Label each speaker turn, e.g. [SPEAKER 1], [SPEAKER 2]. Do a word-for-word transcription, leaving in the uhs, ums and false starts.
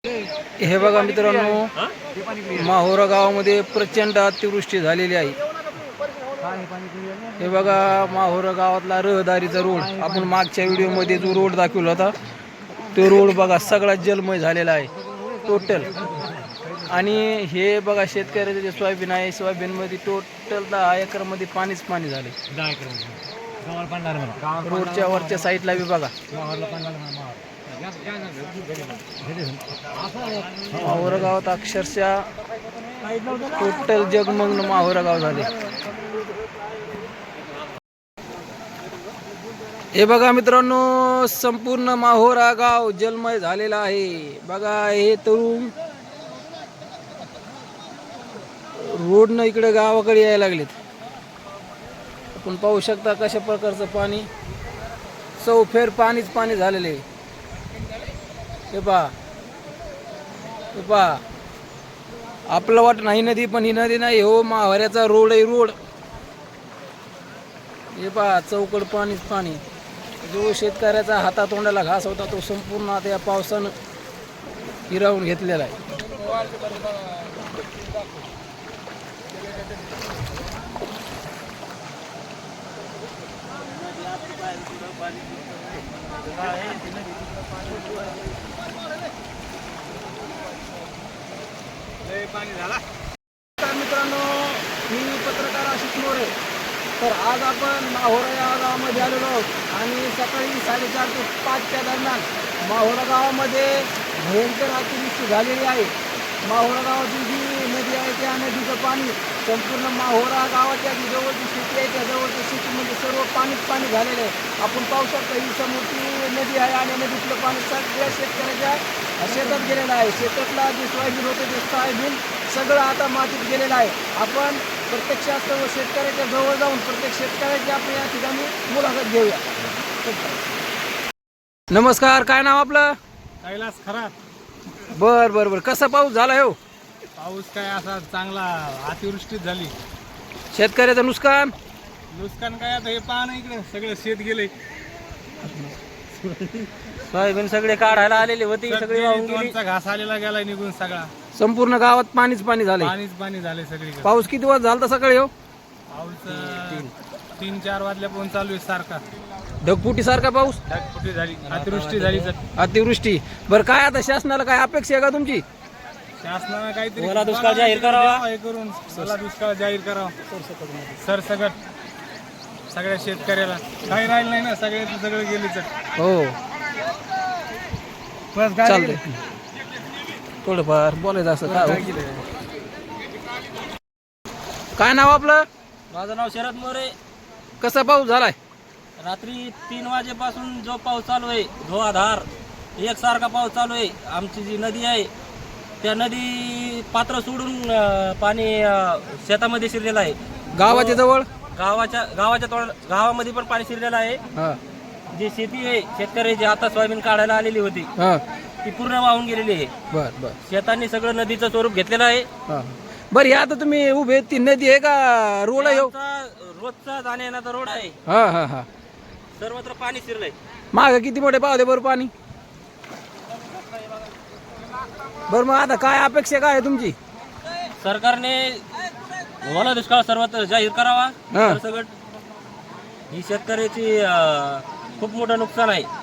[SPEAKER 1] हे बघा मित्रांनो, माहोरा गावामध्ये प्रचंड अतिवृष्टी झालेली आहे। हे बघा माहोरा गावातला रहदारीचा रोड, आपण मागच्या व्हिडिओमध्ये जो रोड दाखवला होता तो रोड बघा सगळा जलमय झालेला आहे टोटल। आणि हे बघा शेतकऱ्याचे जे सोयाबीन आहे, सोयाबीनमध्ये टोटल दहा एकरमध्ये पाणीच पाणी झाले। रोडच्या वरच्या साईडला बी बघा माहोरा गावात अक्षरशः टोटल जगमग्न माहोरा गाव झाले। हे बघा मित्रांनो, संपूर्ण माहोरा गाव जलमय झालेला आहे। बघा हे तरुण रोडनं इकडे गावाकडे यायला लागलेत। आपण पाहू शकता कशा प्रकारचं पाणी, चौफेर पाणीच पाणी झालेले आहे। हे पहा हे पहा आपलं वाट नाही नदी, पण ही नदी नाही हो, माहोऱ्याचा रोड आहे रोड। हे पहा चौकड पाणीच पाणी। जो शेतकऱ्याचा हातातोंडाला घास होता तो संपूर्ण आता या पावसानं हिरावून घेतलेला आहे। मित्रांनो, मी पत्रकार आशिष मोरे। तर आज आपण माहोरा या गावामध्ये आलेलो आहोत आणि सकाळी साडेचार ते पाचच्या दरम्यान माहोरा गावामध्ये भयंकर अतिवृष्टी झालेली आहे। माहोरा गावाची जी नदी आहे त्या नदीचं पाणी संपूर्ण माहोरा गावाच्या जी जवळची शेती आहे त्या जवळच्या शेतीमध्ये सर्व पाणीच पाणी झालेलं आहे। आपण पाहू शकता ही समोरची नदी आहे आणि नदीतलं पाणी सगळ्या शेतकऱ्याच्या शेतात गेलेलं आहे। शेतातला जे सोयाबीन होतं ते सोयाबीन सगळं आता मातीत गेलेलं आहे। आपण प्रत्यक्षात शेतकऱ्याच्या जवळ जाऊन प्रत्येक शेतकऱ्याची आपण या ठिकाणी मुलाखत घेऊया। नमस्कार, काय नाव आपलं?
[SPEAKER 2] कैलास खरात।
[SPEAKER 1] बर बर बर कसा पाऊस झाला हो?
[SPEAKER 2] पाऊस काय असा चांगला अतिवृष्टीच झाली।
[SPEAKER 1] शेतकऱ्याचं नुकसान
[SPEAKER 2] नुकसान काय आता हे पान इकडे सगळं शेत गेले,
[SPEAKER 1] सोयाबीन सगळे काढायला आलेले होते, सगळे वाहून गेली।
[SPEAKER 2] दोनचा घास आलेला गेला निघून सगळा,
[SPEAKER 1] संपूर्ण गावात पाणीच पाणी झाले।
[SPEAKER 2] पाणीच पाणी झाले सगळीकडे।
[SPEAKER 1] पाऊस किती वाजता झाला सकाळी हो?
[SPEAKER 2] पाऊस तीन चार वाजल्यापासून चालू आहे सारखा,
[SPEAKER 1] ढगफुटी सारखा पाऊस,
[SPEAKER 2] ढगफुटी झाली, अतिवृष्टी झाली।
[SPEAKER 1] अतिवृष्टी बरं काय आता शासनाला काय अपेक्षा आहे का तुमची?
[SPEAKER 2] शासनानं काहीतरी
[SPEAKER 1] ओला दुष्काळ जाहीर करावा,
[SPEAKER 2] हे करून ओला दुष्काळ जाहीर करावा सरसकट सगळ्या शेतकऱ्याला। काही राहिलं नाही ना, सगळ्याचं सगळं गेलीच
[SPEAKER 1] हो। चालतंय, थोडंफार बोलायचं असं काय? काय नाव आपलं?
[SPEAKER 3] माझं नाव शरद मोरे।
[SPEAKER 1] कसा पाऊस झालाय?
[SPEAKER 3] रात्री तीन वाजेपासून जो पाऊस चालू आहे धोधार एकसारखा पाऊस चालू आहे। आमची जी नदी आहे त्या नदी पात्र सोडून अं, पाणी अं, शेतामध्ये शिरलेलं आहे।
[SPEAKER 1] गावाच्या जवळ
[SPEAKER 3] गावाच्या गावाच्या तोंड गावामध्ये पण पाणी शिरलेलं आहे।
[SPEAKER 1] हा
[SPEAKER 3] जी शेती आहे शेतकऱ्याची आता सोयाबीन काढायला आलेली होती
[SPEAKER 1] हा
[SPEAKER 3] ती पूर्ण वाहून गेलेली आहे।
[SPEAKER 1] बर बर
[SPEAKER 3] शेतांनी सगळं नदीचं स्वरूप घेतलेलं आहे।
[SPEAKER 1] हा बरं, आता तुम्ही उभे ती नदी आहे का रोड आहे हो?
[SPEAKER 3] आमचा रोजचा जाण्या येण्याचा रोड आहे,
[SPEAKER 1] हा हा हा
[SPEAKER 3] सर्वत्र पाणी शिरलंय।
[SPEAKER 1] माग किती मोठे पाहते बरं पाणी? बरं मग आता काय अपेक्षा काय आहे तुमची?
[SPEAKER 3] सरकारने ओला दुष्काळ सर्वत्र जाहीर करावा
[SPEAKER 1] हा.
[SPEAKER 3] सरसकट। ही शेतकऱ्याची अं, खूप मोठं नुकसान आहे।